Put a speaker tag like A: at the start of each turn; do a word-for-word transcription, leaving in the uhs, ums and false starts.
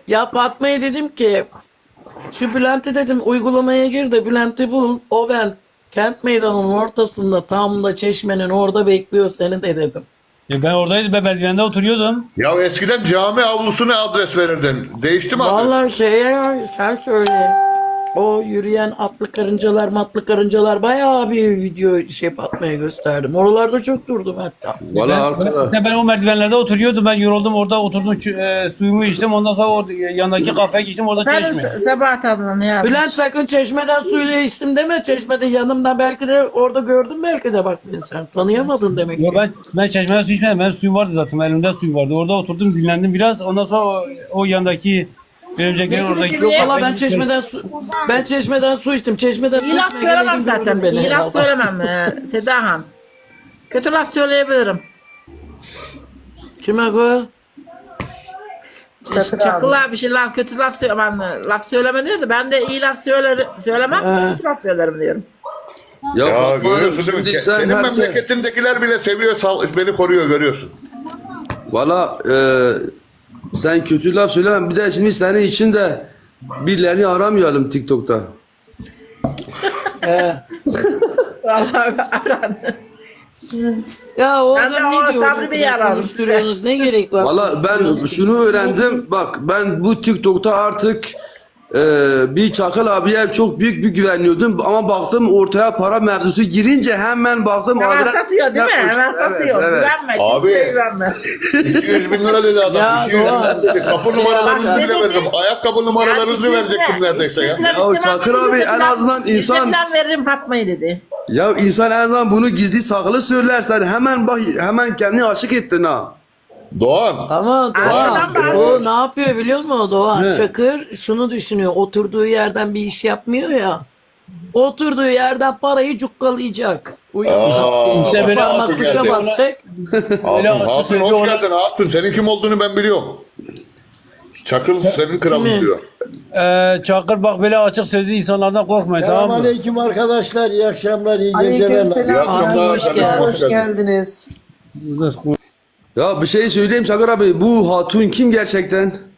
A: Ya Fatma'ya dedim ki şu Bülent'i dedim uygulamaya gir de Bülent'i bul. O ben kent meydanının ortasında tam da çeşmenin orada bekliyor seni de dedim.
B: Ya ben oradaydım. Ben merdivende oturuyordum.
C: Ya eskiden cami avlusuna adres verirdin. Değişti mi adres?
A: Vallahi şeye sen söyle. O yürüyen atlı karıncalar matlı karıncalar bayağı bir video şey Fatma'ya gösterdim. Oralarda çok durdum hatta.
D: Valla
B: Ben,
D: arkadaş.
B: ben, ben o merdivenlerde oturuyordum. Ben yoruldum. Orada oturdum. ç- E, suyumu içtim. Ondan sonra o yanındaki kafeye geçtim. Orada
E: Sen
B: çeşme.
E: Sabahat abla ne yapmış?
A: Bülent sakın çeşmeden suyla içtim deme. Çeşmede yanımda belki de orada gördün belki de bak beni sen. Tanıyamadın demek
B: Ya
A: ki.
B: ben, ben çeşmeden su içmedim. Benim suyum vardı zaten. Elimde suyu vardı. Orada oturdum dinlendim biraz. Ondan sonra o, o yandaki örümceklerin oradaki...
E: Yok,
A: Valla ben çeşmeden su ben çeşmeden su içtim. Çeşmeden su
E: İyi laf
A: içmeye
E: söylemem
A: geleydim
E: zaten.
A: gördün beni
E: İyi laf
A: herhalde.
E: söylemem e, Seda Han. Kötü laf söyleyebilirim.
A: Kime bu?
E: Çakıl abi bir şey laf kötü laf söylemem. Laf söyleme diyor da ben de iyi laf söylerim, söylemem
A: He.
E: kötü laf söylerim diyorum.
D: Ya,
C: Ya
D: Fatma Hanım,
C: görüyorsun değil mi?
D: şimdi sen
C: Senin
D: herkes...
C: memleketindekiler bile seviyor, sal- beni koruyor görüyorsun.
D: Valla e, sen kötü laf söyleme. Bir de şimdi senin için de birilerini aramayalım TikTok'ta.
A: Ee,
E: Vallahi aran.
A: ya
E: Ben de
A: orada
E: o
A: ne
E: Sabri
A: diyor?
E: Bey'i ararım
A: Konuşturuyorsunuz ne gerek var?
D: Valla ben şunu öğrendim. Bak ben bu TikTok'ta artık e, bir Çakal abiye çok büyük bir güveniyordum. Ama baktım ortaya para mevzusu girince hemen baktım.
E: Hemen
D: adres-
E: satıyor değil mi? Hemen
D: Evet,
E: satıyor.
D: evet.
E: Güvenme.
C: Abi.
E: Kimseye güvenme.
C: iki yüz bin lira dedi adam.
A: Ya
C: iki yüz bin
A: Doğan,
C: lira dedi. Kapı
A: şey
C: numaralarınızı
A: yapacak.
C: bile veririm. Ayakkabı numaralarınızı
E: Yani
C: verecektim
E: iki yüz lira,
C: neredeyse ya.
E: iki yüz lira
D: Ya
E: istemem
D: Çakır
E: dedi,
D: abi,
E: yüz
D: en
E: lira-
D: azından
E: yüz lira
D: insan-
E: falan veririm Fatma'yı dedi.
D: Ya insan en azından bunu gizli saklı söylersen hemen bak hemen kendini aşık ettin ha.
C: Doğan.
A: Ama
E: Arkadan
A: Doğan
E: bağırıyor.
A: o ne yapıyor biliyor musun Doğan?
D: Ne?
A: Çakır şunu düşünüyor. Oturduğu yerden bir iş yapmıyor ya. Oturduğu yerden parayı cukkalayacak. Uyanacak.
C: Aa,
B: İşte böyle
A: Parmak
C: hatun
A: tuşa
C: geldi.
A: basacak.
B: Öyle
C: Hatun,
B: hatun
C: hatun
B: sözü
C: hoş
B: ona-
C: geldin hatun. Senin kim olduğunu ben biliyorum. Çakıl senin kralın
A: Kimi?
C: diyor.
B: Ee, Çakır bak böyle açık sözlü insanlardan korkmayın tamam mı?
F: Selamünaleyküm arkadaşlar. İyi akşamlar, iyi geceler.
C: İyi
G: Aleykümselam.
C: akşamlar.
A: Hoş
C: kardeşim,
A: geldin.
G: Hoş geldiniz.
D: Ya bir şey söyleyeyim Çakır abi, bu hatun kim gerçekten?